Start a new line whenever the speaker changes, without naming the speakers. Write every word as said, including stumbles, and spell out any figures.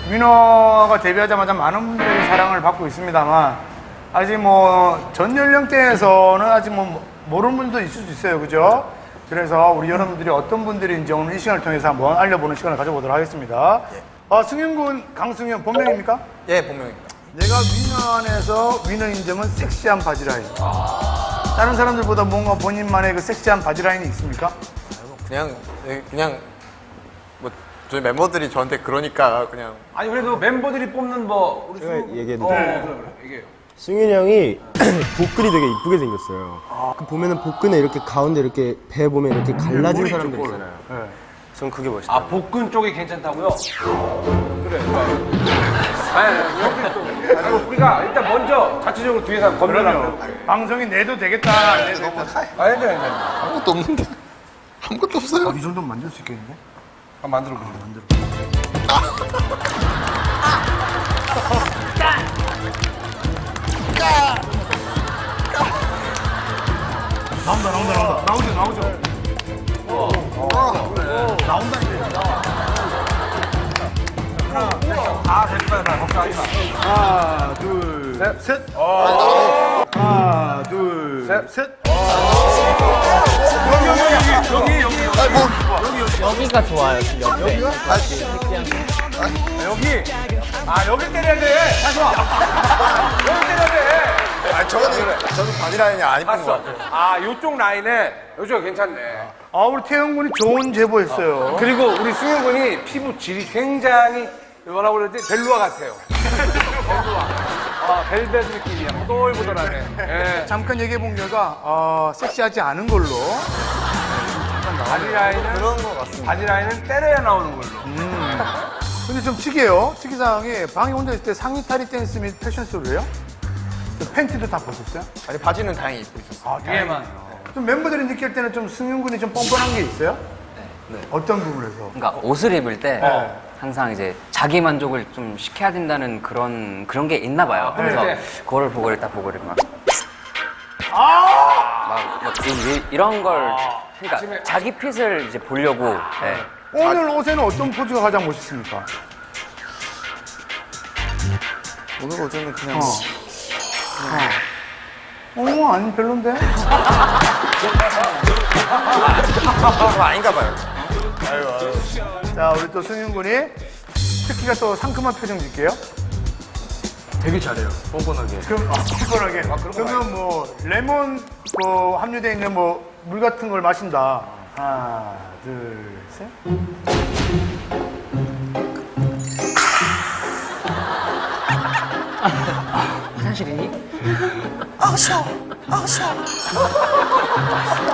위너가 데뷔하자마자 많은 분들의 사랑을 받고 있습니다만 아직 뭐 전 연령대에서는 아직 뭐 모르는 분도 있을 수 있어요, 그죠? 그래서 우리 여러분들이 어떤 분들인지 오늘 이 시간을 통해서 한번 알려보는 시간을 가져보도록 하겠습니다. 아, 승윤군 강승윤 본명입니까?
예, 본명입니다.
내가 위너 안에서 위너인 점은 섹시한 바지라인. 다른 사람들보다 뭔가 본인만의 그 섹시한 바지라인이 있습니까?
그냥 예, 그냥 뭐 저희 멤버들이 저한테 그러니까 그냥
아니 그래도 멤버들이 뽑는 뭐 우리
제가
승-
얘기해도
어,
돼요?
그래, 그래. 얘기해요.
승윤이 형이 복근이 되게 이쁘게 생겼어요. 그 보면은 복근에 이렇게 가운데 이렇게 배 보면 이렇게 갈라진
머리
사람들
있죠,
있잖아요.
네.
전 그게 멋있다.
아 복근 쪽이 괜찮다고요? 그래. 아니 여기 좀 아니, 우리가 일단 먼저 자체적으로 뒤에서 검열하고.
방송이 내도 되겠다, 안 내도 되겠다.
아니 아니 아니.
아무것도 없는데 아무것도 없어요.
이 정도면 만들 수 있겠는데?
아 만들어 보자. 만들어.
나온다, 나온다, 나온다. 나오죠, 나오죠.
아 됐다 됐다 걱정하지 마.
하나, 둘, 셋. 셋. 하나, 둘,
셋.
셋.
여기 여기
여기가 좋아요. 옆에.
여기. 아 여기 때려야 돼. 다시 와. 여기 때려야 돼.
아 저는 저는 바디라인이 안 이쁜 것
봤어.
같아요.
아 요쪽 라인에 요쪽 괜찮네.
아, 우리 태영 군이 좋은 제보했어요.
그리고 우리 승현 군이 피부 질이 굉장히 뭐라고 그러지? 벨루아 같아요. 벨루아. 아, 벨벳 느낌이야. 보들보들하네. 예.
잠깐 얘기해 본 결과 어, 섹시하지 않은 걸로.
바디 라인은
그런 것 같습니다.
바디 라인은 때려야 나오는 걸로.
근데 좀 특이해요. 특이사항이 방에 혼자 있을 때 상의 탈의 댄스 및 패션쇼를 해요? 그 팬티도 다 벗었어요?
아니 바지는 다행히 입고 있었어요.
아,
위에만.
좀 멤버들이 느낄 때는 좀 승윤 군이 좀 뻔뻔한 게 있어요? 네. 어떤 부분에서?
그러니까 옷을 입을 때
네.
항상 이제 자기 만족을 좀 시켜야 된다는 그런 그런 게 있나 봐요. 그래서
네.
그거를 보고 있다 보고 이렇게 막.
아!
막, 막 이, 런 걸. 그러니까
아침에-
자기 핏을 이제 보려고. 네.
오늘 옷에는 어떤 포즈가 가장 멋있습니까?
오늘 어제는 그냥
어, 아니 별론데?
그거 아닌가 봐요.
자, 우리 또 승윤 군이 특히가 또 상큼한 표정 짓게요.
되게 잘해요. 뻔뻔하게.
그럼 아, 뻔뻔하게. 그러면 뭐 레몬 뭐 함유되어 있는 뭐 물 같은 걸 마신다. 하나, 둘, 셋.
화장실이니?
아,